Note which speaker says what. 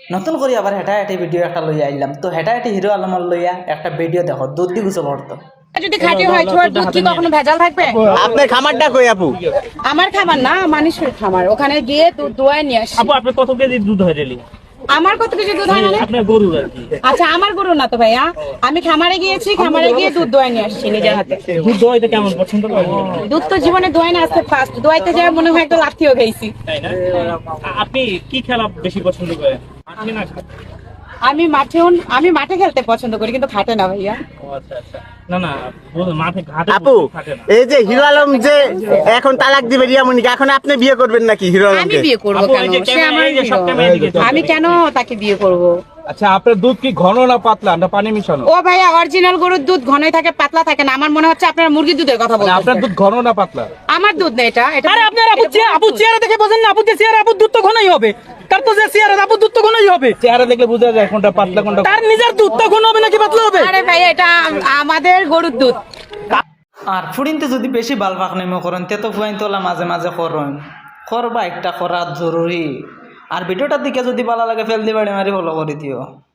Speaker 1: নতুন করে আবার হেঁটাহেঁটি ভিডিও একটা লইয়া আইলাম। তো হেঁটাহেঁটি হিরো আলমর লইয়া একটা ভিডিও দেখো, দুধ দি গুছল হরতো।
Speaker 2: যদি খাঁটি হয় ছোট দুধ কি কখনো ভেজাল থাকবে?
Speaker 3: আপনার খামারটা কই আপু?
Speaker 2: আমার খামার না, মানুষের খামার। ওখানে গিয়ে দুধ দোয়ায় নিয়ে আসি।
Speaker 4: আপু আপনি কত কেজি দুধ হয় ডেলি?
Speaker 2: আমার কত কেজি দুধ হয় মানে?
Speaker 4: আপনার গরুর আর কি।
Speaker 2: আচ্ছা আমার গরু না তো ভাইয়া, আমি খামারে গিয়েছি, খামারে গিয়ে দুধ দোয়ায় নিয়ে আসছি নিজের হাতে।
Speaker 4: দুধ দোয়াইতে কেমন পছন্দ করেন?
Speaker 2: দুধ তো জীবনে দোয়াই না, আজকে ফার্স্ট। দোয়াইতে যায় মনে হয় একটা লাঠিও খাইছি।
Speaker 4: তাই না? আপনি কি খেলা বেশি পছন্দ করেন? মাঠে না ঘাটে?
Speaker 2: আমি মাঠে খেলতে পছন্দ করি, কিন্তু খাটে না ভাইয়া।
Speaker 4: ও আচ্ছা আচ্ছা। না না, মাঠে ঘাটে
Speaker 3: আপু
Speaker 4: খাটে না।
Speaker 3: এই যে হিরো আলম যে এখন তালাক দিবে রিয়ামণিকে, এখন আপনি বিয়ে করবেন নাকি হিরো
Speaker 2: আমি
Speaker 3: আলমকে?
Speaker 2: বিয়ে করবো
Speaker 4: আপু,
Speaker 2: কেন?
Speaker 4: এই যে
Speaker 2: সে আমার
Speaker 4: এই যে সব
Speaker 2: hero।
Speaker 4: ক্যামেরা দিকে চলছে।
Speaker 2: আমি কেন তাকে বিয়ে করব?
Speaker 5: আচ্ছা আপনার দুধ কি ঘন না পাতলা না পানি মিশানো?
Speaker 2: ও ভাইয়া, অরিজিনাল গরুর দুধ ঘনই থাকে, পাতলা থাকে না। আমার মনে হচ্ছে আপনার মুরগির দুধের কথা
Speaker 5: মানে আপনার
Speaker 2: বলছেন।
Speaker 5: দুধ ঘন না পাতলা?
Speaker 2: আমার দুধ না এটা।
Speaker 6: আরে আপনার আপু চেহারা দেখে বোঝেন না? আপু যে চেহারা, আপু দুধ তো ঘনই হবে। তার তো যে চেহারা, আপু দুধ তো ঘনই হবে।
Speaker 5: চেহারা দেখলে বোঝা যায় কোনটা পাতলা কোনটা।
Speaker 6: তার নিজের দুধ তো ঘন হবে নাকি পাতলা হবে?
Speaker 2: আরে ভাইয়া, এটা আমাদের গরুর দুধ।
Speaker 1: আর ফুড়িনতে যদি বেশি বাল পাক নেমে করেন তে তো ফুয়াইন তোলা মাঝে মাঝে করেন, করবা একটা করা জরুরি। আর ভিডিওটার দিকে যদি ভালো লাগে ফেল দিয়ে বাড়ি মারি ফলো করে দিও।